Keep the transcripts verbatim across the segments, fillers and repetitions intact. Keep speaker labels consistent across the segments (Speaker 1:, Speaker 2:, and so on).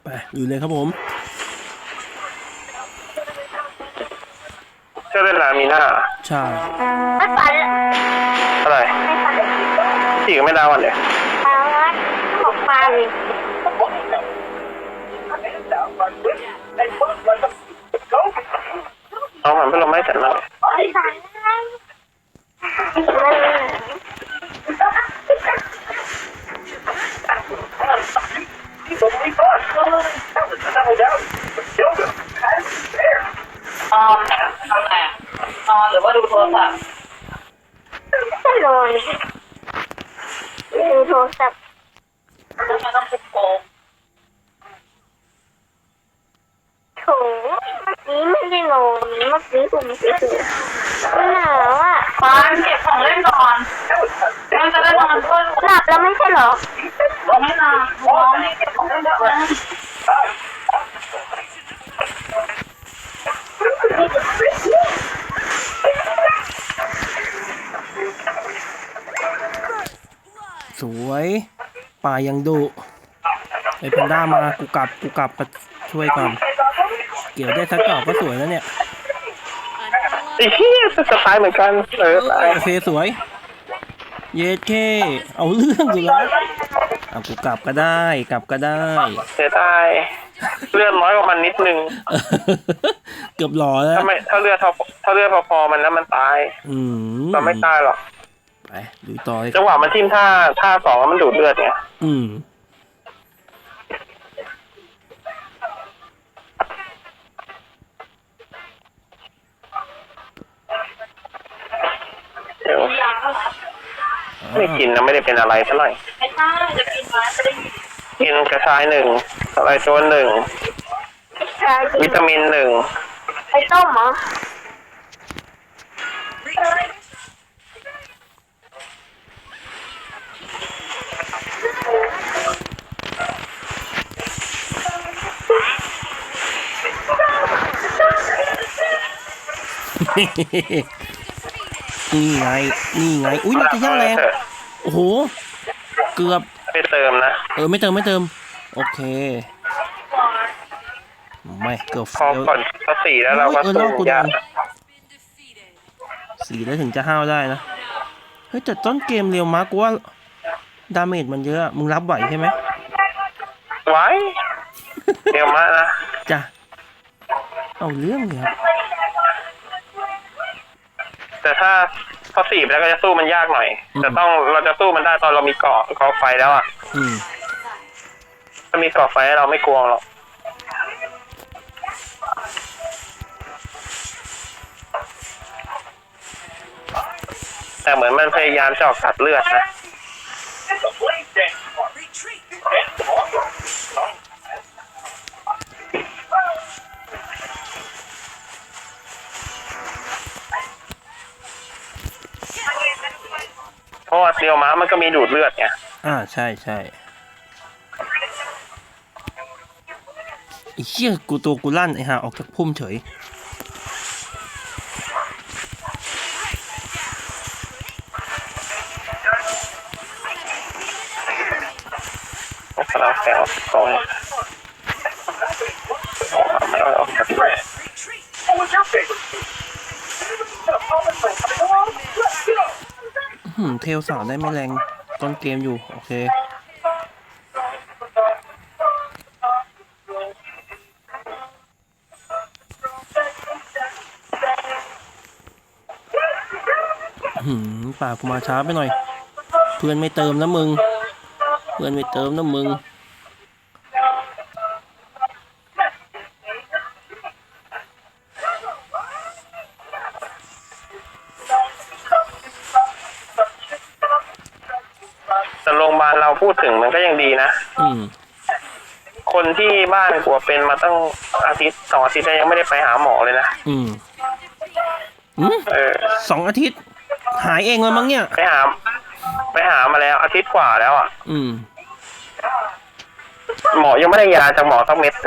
Speaker 1: อยู่เลยครับผม
Speaker 2: เชื่อเล่นลามีหน้า
Speaker 1: ใช่
Speaker 3: ไม่ฝัน
Speaker 2: อะไรสี่ก็ไม่ได้วันเลย
Speaker 3: เอาละออกมาเลย
Speaker 2: เอาหันไปลงไม้จัดเลย
Speaker 4: นอนทำไงนอนหรือว่าดูโทรศัพท์
Speaker 3: ไม่นอนดูโทรศัพท์
Speaker 4: แล้วมันต้องคุกโกง
Speaker 3: โถเมื่อกี้ไม่ได้นอนเมื่อกี้ผมเฉยๆหนาวอ่ะ
Speaker 4: ปานเก็บของเล่นก่อนมันจะได้นอนด้วย
Speaker 3: หลับแล้วไม่ใช่หรอ
Speaker 4: ไม่นอนน้องนี่เก็บของเล่นเยอะเลย
Speaker 1: สวยป่ายังดุไอ้แพนด้ามากูกลับกูกลับมาช่วยก่อนเกี่ยวได้สักดอกก็สวยแล้วเนี่ย
Speaker 2: ไอ้เหี้ยจะตายเหมือนกันเออตาย
Speaker 1: เฟสวยเยเคเอาเรื่องอยู่แล้วเอากูกลับก็ได้กลับก็ได้
Speaker 2: เสียดายเลือดน้อยกว่ามันนิดนึง
Speaker 1: เกือบหล่อแล้ว
Speaker 2: ถ้าไม่ถ้าเลือดเท่าถ้าเลือดพอๆมันแล้วมันตาย
Speaker 1: อืม
Speaker 2: มันไม่ตายหรอก
Speaker 1: ไปดูต่อ
Speaker 2: จังหวะมันทิ่มท่าท่าสองมันดูดเลือดไง
Speaker 1: อืม
Speaker 2: ไม่กินนะไม่ได้เป็นอะไรเท่าไหร่
Speaker 4: ไม่ใช่จะกินไหมจะได้
Speaker 2: กินกระชายหนึ่งอะไรโจนหนึ่งวิตามินหนึ่ง
Speaker 3: ไปต้มเหรอ
Speaker 1: นี่ไงนี่ไงอุ้ยมันจะย่าแรงโอ้โหเกือบ
Speaker 2: ไม่เติมนะ
Speaker 1: เออไม่เติมไม่เติมโอเคไม่เกือบ
Speaker 2: พอก่อนพอสี่แล้วเราก็สู้ยาก
Speaker 1: สี่แล้วถึงจะห้าวได้นะเฮ้ยแต่ต้นเกมเร็วมากกูว่าดาเมจมันเยอะมึงรับไหวใช่ไหม
Speaker 2: ไหวเร็วมากนะ
Speaker 1: จ้ะเอาเรื่องเลยครับ
Speaker 2: แต่ถ้าพอสี่แล้วก็จะสู้มันยากหน่อยแต่ต้องเราจะสู้มันได้ตอนเรามีเกาะเกาะไฟแล้วอ่ะถ้ามีเกาะไฟเราไม่กลัวหรอกแต่เหมือนมันพยายามจะออกตัดเลือดนะเพราะว่าเซียวม้ามันก็มีดูดเลือดไง
Speaker 1: อ่าใช่ใช่ไอ้เหี้ยกูตัวกูลั่นไอ้ห่าออกจากพุ่มเฉย
Speaker 2: เราแซวกองไม่เอาออกจากเลย
Speaker 1: หืมเทลสาวได้ไม่แรงต้นเกมอยู่โอเคหืมป่ากูมาช้าไปหน่อยเพื่อนไม่เติมนะมึงเพื่อนไม่เติมนะมึง
Speaker 2: แต่โรงพยาบาลเราพูดถึงมันก็ยังดีนะ
Speaker 1: อืม
Speaker 2: คนที่บ้านกลัวเป็นมาตั้งอาทิตย์สองอาทิตย์ยังไม่ได้ไปหาหมอเลยนะ
Speaker 1: อืมอืมเออสองอาทิตย์หายเองแล้วมั้งเนี่ย
Speaker 2: ไปหาไปหามาแล้วอาทิตย์กว่าแล้วอ่ะ
Speaker 1: อืม
Speaker 2: หมอยังไม่ได้ยาจากหมอสักเม็ด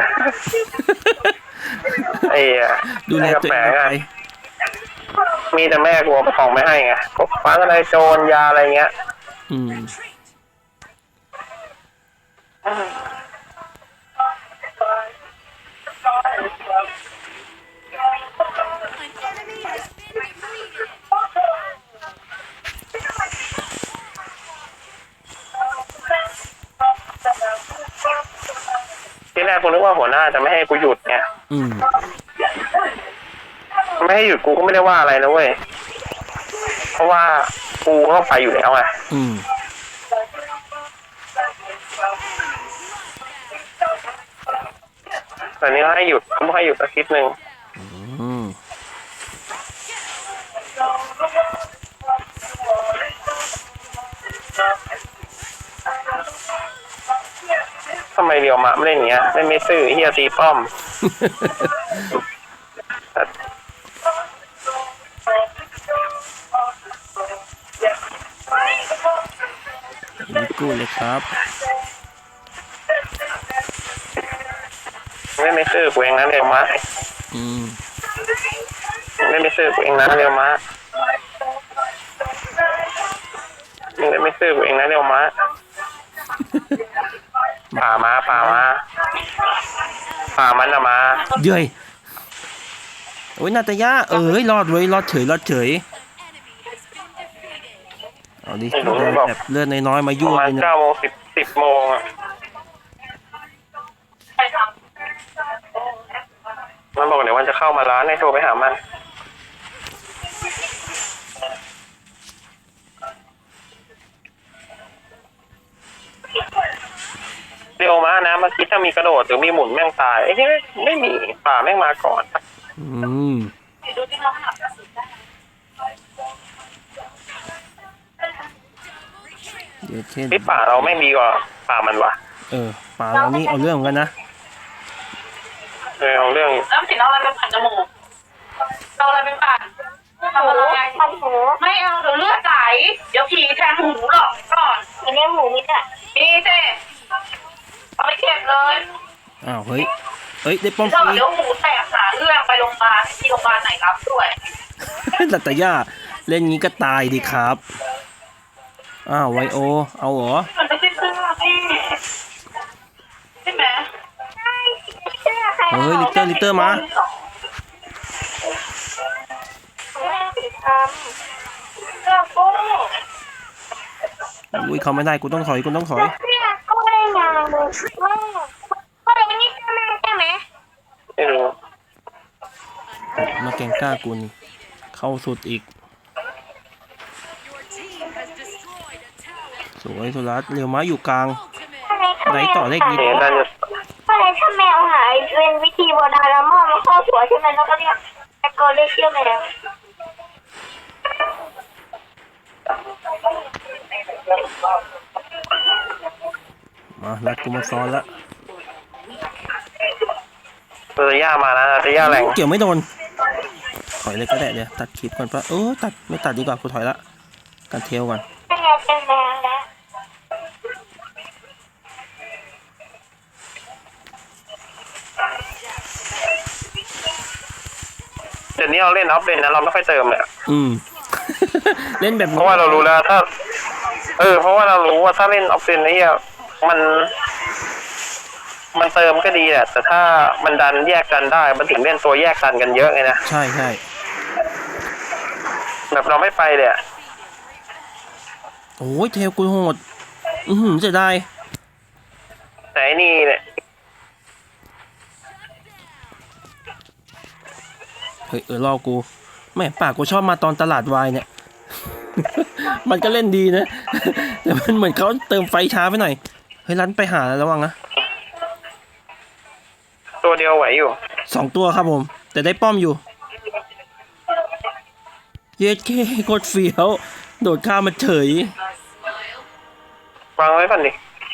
Speaker 2: ไอ้
Speaker 1: ดูแลตัวเองไป
Speaker 2: มีแต่แม่กลัวของไม่ให้ไงก็ฟ้าอะไรโจรยาอะไรเงี้ย
Speaker 1: อืม
Speaker 2: ที่แรกกูนึกว่าหัวหน้าจะไม่ให้กูหยุดไง
Speaker 1: อืม
Speaker 2: ไม่ให้หยุดกูก็ไม่ได้ว่าอะไรนะเว้ยเพราะว่ากูก็ไปอยู่แล้วไง
Speaker 1: อืม
Speaker 2: แต่นี้เขาให้หยุดเขาไม่ให้หยุดสักทีหนึ่ง
Speaker 1: อืม
Speaker 2: ทำไมเรียวมะไม่เล่นอย่างเงี้ยเล่นไม่ซื่อเฮียตีป้อม
Speaker 1: นี่กูเลยครับ
Speaker 2: เล่นไม่ซื่อกูเองนะเรียวมะ
Speaker 1: อืม
Speaker 2: เล่นไม่ซื่อกูเองนะเรียวมะเล่นไม่ซื่อกูเองนะเรียวมะป่ามาป่ามาป่ามันอะมา
Speaker 1: เย้ยโอ้ยนาตายาเอ้ยรอดเว้ยรอดเฉยรอดเฉยเอาดิแบบเลือดน้อยๆมา
Speaker 2: ป
Speaker 1: ยั่
Speaker 2: ระ
Speaker 1: ว
Speaker 2: มาณ
Speaker 1: เลยนะ
Speaker 2: เก้าโมงสิบสิบโมงอะ
Speaker 4: ใครท
Speaker 2: มันบอกเดี๋ยววันจะเข้ามาร้านให้โทรไปหามันเร็วมากนะเมื่อกี้ถ้ามีกระโดดหรือมีหมุนแม่งตายไอ้ที่ไม่มีป่าแม่งมาก่อน
Speaker 1: อืม
Speaker 4: ำดูที่น้องหักกระสุนได้
Speaker 1: เดี๋ยวเช่น
Speaker 2: ไอ้ป่าเราไม่ดีกว่าป่ามันวะ
Speaker 1: เออป่าเรานี่เอาเรื่องเหมือนกันนะ
Speaker 2: เออเอาเรื่อง
Speaker 4: แล้วสิเอาอะไรไปปั่นจมูกเอาอะไรไปปั่นทำอะไร
Speaker 3: ปันหู
Speaker 4: ไม่เอาเดี๋ยวเลือดไหลเดี๋ยวผีแทงหูหรอกก่อน
Speaker 3: มีเลี้ยงหมูมิดอ่ะ
Speaker 4: มีเจ้เอาไปเก็บเลย
Speaker 1: อ้าวเฮ้ยเอ้ยได้ป้อม
Speaker 4: เดี๋
Speaker 1: ฟ
Speaker 4: ยว
Speaker 1: รี
Speaker 4: เดี๋ยวหูแตกหาเรื่องไปโรงพยาบาลที่โรงพยาบาลไหนรับด้วย
Speaker 1: นาตายาเล่นงี้ก็ตายดีครับอ้าวไวโอเอาเหรอ
Speaker 4: มันไม่ใช่เสื้อพี่ใช่ไหม
Speaker 3: เสื้อใคร
Speaker 1: เฮ้ยลิเตอร์ลิเตอร์มา
Speaker 3: เสื้อสีดำเสื้อกุ้ง
Speaker 1: อุ้ยเขาไม่ได้กูต้องถอยกูต้องถอย
Speaker 3: เสื้อกุ้งได้ไงเลยว่าก็เลยนี่เสื้อแม่ใช่ไหม
Speaker 2: ไม่รู้
Speaker 1: มาแกงกล้ากูนี่เข้าสุดอีกสวยโทรัสเรียวม้าอยู่กลาง ไหนต่อเลขนี้
Speaker 2: เห็นได้จะ
Speaker 3: ก็เลยถ้าแมวหายเป็นวิธีโบราณแล้วมอบมาข้อหัวใช่ไหมแล้วก็เรียกตะโกนเรียกชื่อแมว
Speaker 1: มารัดกูมาซ้อนละ
Speaker 2: เออย่ามานะจะย่าแรง
Speaker 1: เกี่ยวไม่โดนถอยเลยก็ได้เดี๋ยวตัดคลิปก่อนปะเออตัดไม่ตัดดีกว่ากูถอยละกันเทลก่อน
Speaker 3: เป็นไงเป็นแมวแล้ว
Speaker 2: เดี๋ยวนี้เราเล่นออฟเลนนะเราไม่ค่อยเติมเลยอะ
Speaker 1: อืม เล่นแบบ
Speaker 2: เพราะว่าเรารู้แล้วถ้า เออ เพราะว่าเรารู้ว่าถ้าเล่นออฟเลนไอ้เหี้ยมัน มันเติมก็ดีแหละแต่ถ้ามันดันแยกกันได้ มันถึงเล่นตัวแยกกันกันเยอะไงนะ
Speaker 1: ใช่ใช่
Speaker 2: แบบเราไม่ไปเลยอะ
Speaker 1: โอ้ยเทลกูโหดอือหือเสียดาย
Speaker 2: แต่ไอ้นี่เนี่ย
Speaker 1: เฮ้ยเออรอกูแม่ปากกูชอบมาตอนตลาดวายเนี่ย มันก็เล่นดีนะ แต่มันเหมือนเขาเติมไฟช้าไปหน่อยเฮ้ยรันไปหาระวังนะ
Speaker 2: ตัวเดียวไหวอยู่
Speaker 1: สองตัวครับผม แต่ได้ป้อมอยู่ เย็ดเคโคตรเฟี้ยวโดดข้ามมาเฉยว
Speaker 2: างไว้ก่อนดิ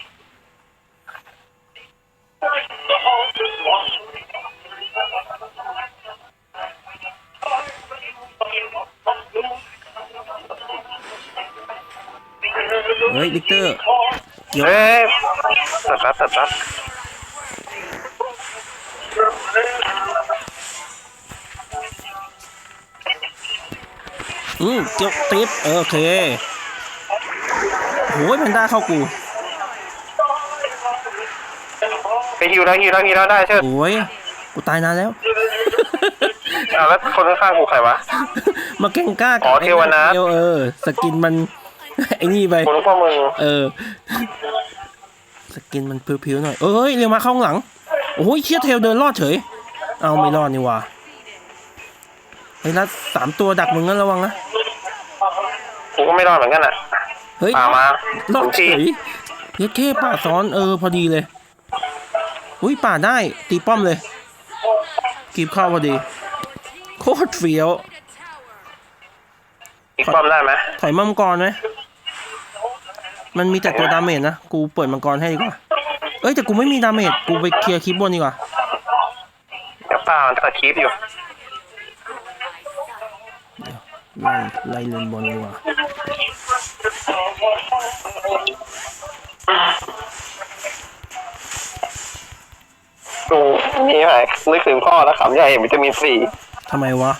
Speaker 1: เฮ้ยลิกเตอร์เกี่ยว
Speaker 2: เฮ้ยตัดรับตัดรับ
Speaker 1: อืมเกี่ยวติดเออโอเคโอ้ยแพนด้าเข้ากู
Speaker 2: ไปฮิวแล้วฮิวแล้วฮิวแล้วได้เชิด
Speaker 1: โอ้ยกูตายนานแล้ว
Speaker 2: อ้าวแล้วคนข้างๆกูใครวะ
Speaker 1: มาแกงกล้า
Speaker 2: อ๋อเทวนาถ
Speaker 1: เดียวเออสกินมัน ไอ้นี่ไป
Speaker 2: กูนึกว่ามึง
Speaker 1: เออ สกินมันผิวๆหน่อย เอ้ยเรียวมาเข้าข้างหลังโอ้ยเชี่ยเทลเดินรอดเฉยเอาไม่รอดนี่หว่าเฮ้ยรัดสามตัวดักมึงงั้นระวังนะ
Speaker 2: กูก็ไม่รอดเหมือนกันอ่ะ
Speaker 1: เฮ้ย
Speaker 2: ป่ามาร
Speaker 1: อดเฉยเย็ดเข้ป่าซ้อนเออพอดีเลยอุ้ยป่าได้ตีป้อมเลยกีบเข้าพอดีโคตรเฟี้ยว
Speaker 2: อีกป้อมได้ไหม
Speaker 1: ถอยมังกรไหมมันมีแต่ตัวดาเมจนะกูเปิดมังกรให้ดีกว่าเอ้ยแต่กูไม่มีดาเมจกูไปเคลียร์คลิปบนดีกว่า
Speaker 2: เดี๋ยวป้ามันตัดคลิปอยู่
Speaker 1: ไล่ไล่เลนบนดีกว่า
Speaker 2: ดูนี่ไงนึกถึงพ่อแล้วขำใหญ่เห็นวิตามินซี
Speaker 1: ทำไมวะ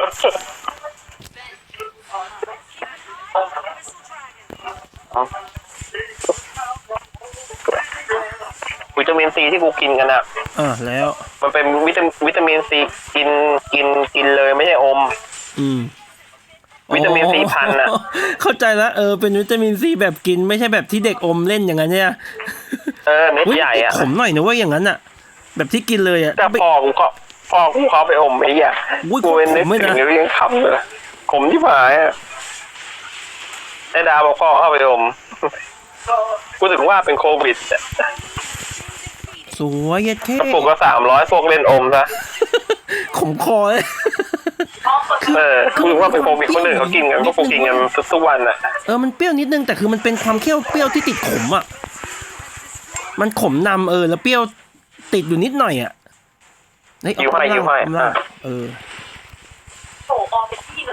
Speaker 2: วิตามินซีที่กูกินกันอะ
Speaker 1: อ่ะแล้ว
Speaker 2: มันเป็นวิตาวิตามินซีกินกินกินเลยไม่ใช่อม
Speaker 1: อืม
Speaker 2: วิตามินซีพันธุ์น่ะ
Speaker 1: เข้าใจแล้วเออเป็นวิตามินซีแบบกินไม่ใช่แบบที่เด็กอมเล่นอย่างนั้นเนี่ย
Speaker 2: เออเม็ดใหญ่อะ
Speaker 1: ขมหน่อยนะเว่าอย่างนั้นอะแบบที่กินเลยอะ
Speaker 2: แต่พ่อกูก็พ่อกูเขาไปอมไอ้เหี้ย
Speaker 1: อุ้ย
Speaker 2: กูเป็นนึก
Speaker 1: ขมไม่
Speaker 2: ถึ
Speaker 1: นะ
Speaker 2: งเรื่องขำเลยขมที่หายอะไอ้ดาวบอกพ่อเข้าไปอม กูถึงว่าเป็นโควิดอะ
Speaker 1: สวยเย็ดเข้
Speaker 2: ปลูกก็สามร้อยพวกเล่นอมซะ
Speaker 1: ขมคอเลย
Speaker 2: เออกูถึงว่าเป็นโควิดคนอื่นเขากินกันก็คงกินกันทุกๆวันอะ
Speaker 1: เออมันเปรี้ยวนิดนึงแต่คือมันเป็นความเคี้ยวเปรี้ยวที่ติดขมอะมันขมนำเออแล้วเปรี้ยวติดอยู่นิดหน่อยอะเฮ้ยเอา
Speaker 2: ยิ้วให้ยิ้วให้
Speaker 1: เอาล่างเออ
Speaker 4: โอ้ออกเป็นที่แบบ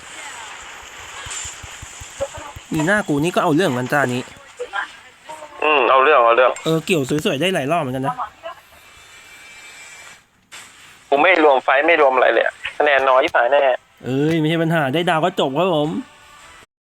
Speaker 1: มีหน้ากูนี่ก็เอาเรื่องกันจ้านี้
Speaker 2: อืมเอาเรื่องเอาเรื่อง
Speaker 1: เออเกี่ยวสวยๆได้หลายรอบเหมือนกันนะ
Speaker 2: กูไม่รวมไฟท์ไม่รวมอะไรเลยอะคะแนนน้อยที่หายแน่
Speaker 1: เอ้ยไม่ใช่ปัญหาได้ดาวก็จบครับผม